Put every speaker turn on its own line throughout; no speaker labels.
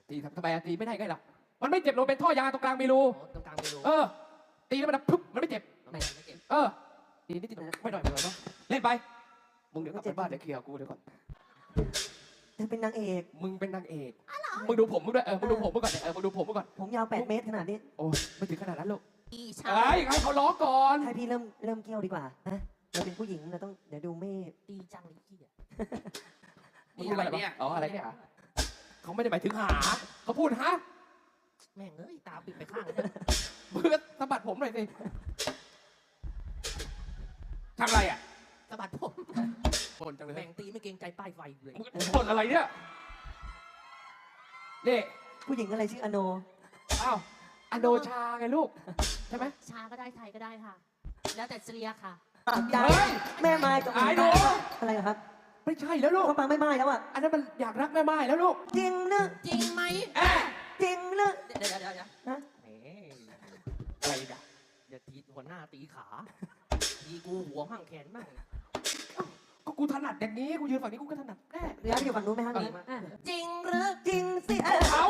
ตีทำไมตีไม่ได้ไงล่ะมันไม่เจ็บลงเป็นท่อยางตรงกลางมีรู
ตรงกลางมีรู
ตีแล้วมันพึบมันไม่เจ็บ
ไม่เจ็บ
ตีนิดไม่หน่อยเนาะเล่นไปมึงเดี๋ยวกลับไปบ้านเดี๋ยวเคลียร์กูเดี๋ยวก่อน
เธอเป็นนางเอก
มึงเป็นนางเอกมึงดูผมมึงด้วยมึงดูผมมึงก่อนมึงดูผมมึงก่อน
ผมยาว8 เมตรขนาดนี้
โอ้ไม่ถึงขนาดนั้นลูก
อีชา
ให้เขาร้องก่อน
ให้พี่เริ่มเกี่ยวดีกว่านะเราเป็นผู้หญิงเราต้องเดี๋ยวดูไม่
ตีจังเลยพี่
นี่อะไรเนี่ยอะไรเนี่ยเขาไม่ได้หมายถึงหาเขาพูดฮะ
แม่งตาปิดไปข้าง
มึงก็สะบัดผมหน่อยสิทำอะไรอ่ะ
สะบัดผม
คนจังเลย
แม่งตีไม่เกรงใจป้ายไฟเลย
คนอะไรเนี่ยนี่
ผู้หญิงอะไรชื่ออโน
อ้าวอโนชาไงลูกใช่ไหม
ชาก็ได้ไทยก็ได้ค่ะแล้วแต่เรียกค่ะ
ใจแม่ไม้กับไอ้หนูอะไรครับ
ไม่ใช่แล้วลูก
เขาฟังไม่ไม้แล้วอ่ะ
อันนั้นมันอยากรักแม่ไม้แล้วลูก
จริงนะ
จริงไหม
จริงนะ
เดี๋ยว
นะ
อะไรอ่ะ
อย่าตีหัวหน้าตีขาตีกูหัวห้างแขนบ้าง
ก็กูถนัดอย่างนี้กูยืนฝั่งนี้กูก็ถนัดแน่
แล้วอยู่ฝั่งนู้นไหมฮะ
จริงหรือ
จริงสิ
เขา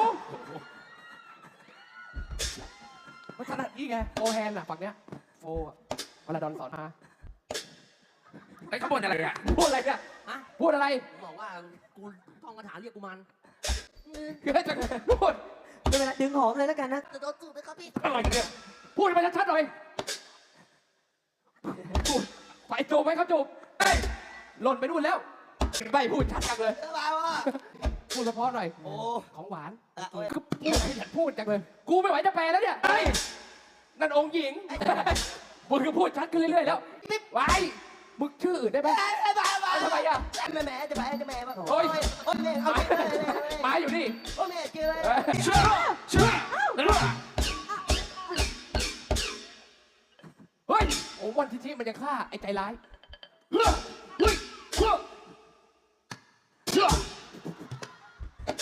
ถนัดนี่ไงโฟแฮนด์อ่ะฝั่งเนี้ยโฟวลาดอนสอนมาไอ้ขบวนอะไรอ่ะพูดอะไรเนี่ยพูดอะไร
บอกว่ากูท่องคาถาเรียกกูมัน
คือให้จะพูด
เป็นเวลาดึงหอมเลยแล้วกันนะ
จะโดนจูบไหมครับพี่
อะไรเนี่ยพูดมาชัดๆหน่อยพูดไปจูบไหมเขาจูบหล่นไปนู่นแล้วไม่พูดชัดจังเลยพูดเฉพาะหน่อยโอ้ของหวานก็พูดให้ฉันพูดจังเลยกูไม่ไหวจะแปลแล้วเนี่ยนั่นองค์หญิงมึงก็พูดชัดขึ้นเรื่อยๆแล้วไว้มึงชื่ออื่นได้ไหมทำไมอ่ะ
แม่จะแม่
โอ้ยมาอยู่นี่
โอ้แม่เจอ
เชื่อเฮ้ยโอ้วันที่มันจะฆ่าไอ้ใจร้าย